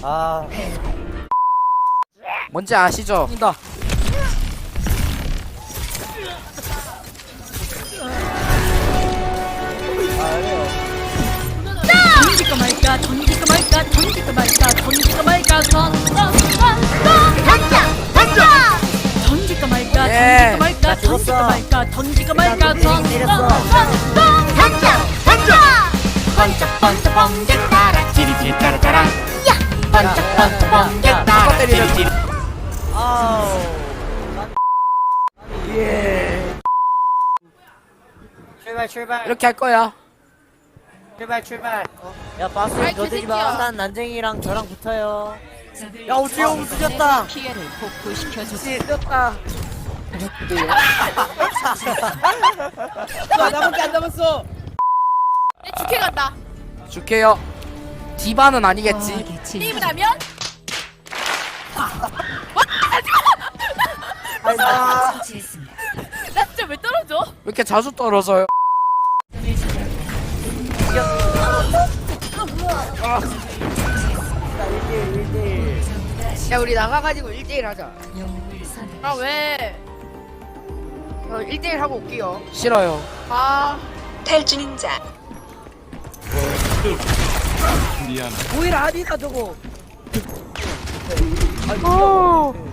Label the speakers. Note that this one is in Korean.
Speaker 1: 아,
Speaker 2: 뭔지 아시죠?
Speaker 1: 뛴다.
Speaker 3: 던질까 말까 던질까 말까 던질까 말까 던질까 말까 던질까 말까
Speaker 2: 예.
Speaker 3: 던질까 말까 던질까 말까 던질까 말까
Speaker 1: 내렸어.
Speaker 3: 번쩍 번쩍 번쩍 따라 지리지리 따라 따라 번쩍 번쩍 번쩍 따라 지리지리
Speaker 1: 아우.
Speaker 2: 예.
Speaker 1: 출발.
Speaker 2: 이렇게 할 거야.
Speaker 1: 출발. 야, 바스 너들이 마. 일단 난쟁이랑 저랑 붙어요. 야, 우주 형 늦었다.
Speaker 3: 피해를 복구시켜주세요.
Speaker 1: 늦었다. 나밖에 안 남았어.
Speaker 4: 내 죽해 간다.
Speaker 2: 줄게요. 디바는 아니겠지.
Speaker 4: 게임을 하면
Speaker 1: 아이고.
Speaker 4: 나 진짜 왜 떨어져?
Speaker 2: 왜 이렇게 자주 떨어져요?
Speaker 5: 야 우리 나가가지고 1대1 하자.
Speaker 4: 아 왜?
Speaker 5: 1대1 하고 올게요.
Speaker 2: 싫어요.
Speaker 4: 아
Speaker 6: 탈주민자
Speaker 1: 오히려 아니다 저거.
Speaker 2: 어.